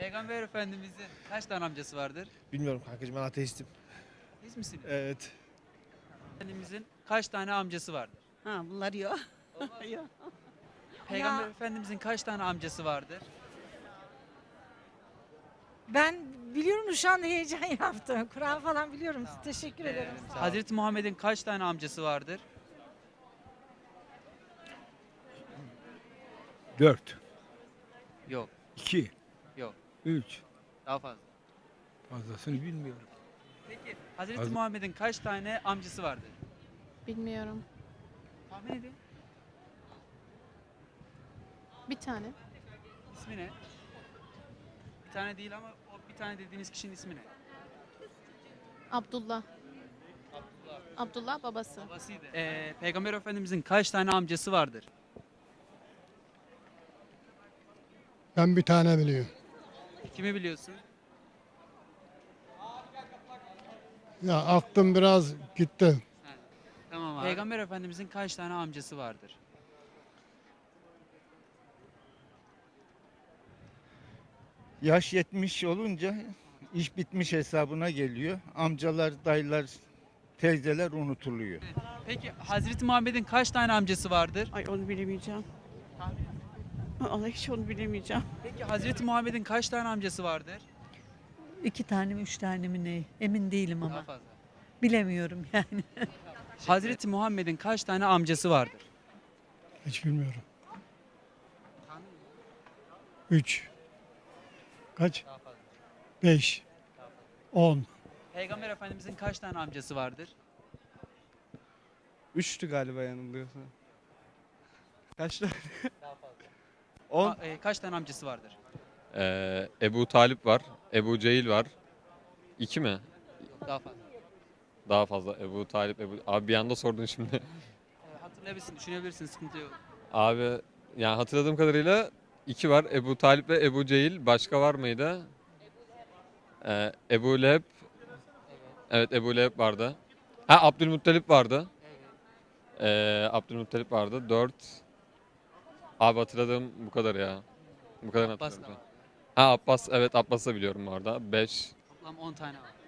Peygamber Efendimizin kaç tane amcası vardır? Bilmiyorum kankacığım, ben ateistim. Siz misiniz? Evet. Efendimizin kaç tane amcası vardır? Ha bunlar yok. Olmaz. Yok. Peygamber Ya. Efendimizin kaç tane amcası vardır? Ben biliyorum şu an heyecan yaptım. Kur'an falan biliyorum. Teşekkür ederim. Sağ olun. Hazreti Muhammed'in kaç tane amcası vardır? 4, Yok, 2, yok. 3. Daha fazla. Fazlasını bilmiyorum. Peki Hazreti Az- Muhammed'in kaç tane amcası vardır? Bilmiyorum. Tahmin edin. Bir tane. İsmi ne? Bir tane değil ama o bir tane dediğiniz kişinin ismi ne? Abdullah. Abdullah babası. Babasıydı. Peygamber Efendimizin kaç tane amcası vardır? Ben bir tane biliyorum. Kimi biliyorsun? Ya aklım biraz gitti. Tamam abi. Peygamber Efendimizin kaç tane amcası vardır? Yaş 70 olunca iş bitmiş hesabına geliyor. Amcalar, dayılar, teyzeler unutuluyor. Peki Hazreti Muhammed'in kaç tane amcası vardır? Ay onu bilemeyeceğim. Allah hiç onu bilemeyeceğim. Peki Hazreti Muhammed'in kaç tane amcası vardır? 2 tane mi 3 tane mi ne? Emin değilim Daha ama. fazla. Bilemiyorum yani. Hazreti Muhammed'in kaç tane amcası vardır? Hiç bilmiyorum. 3. Kaç? Daha fazla. 5. 10. Peygamber Efendimizin kaç tane amcası vardır? 3'tü galiba yanılıyorsa. Kaç tane? Daha fazla. 10. Kaç tane amcası vardır? Ebu Talip var. Ebu Cehil var. 2 mi? Yok daha fazla. Daha fazla. Ebu Talip, Abi bir anda sordun şimdi. Hatırlayabilirsin, düşünebilirsin, sıkıntı yok. Abi yani hatırladığım kadarıyla 2 var. Ebu Talip ve Ebu Cehil. Başka var mıydı? Ebu Leheb. Evet, Ebu Leheb vardı. Ha, Abdülmuttalip vardı. Abdülmuttalip vardı. 4. Abi hatırladığım bu kadar ya. Bu kadar Abbas da hatırladım. var. Ha, Abbas. Evet, Abbas'ı da biliyorum bu arada. 5. Toplam 10 tane var.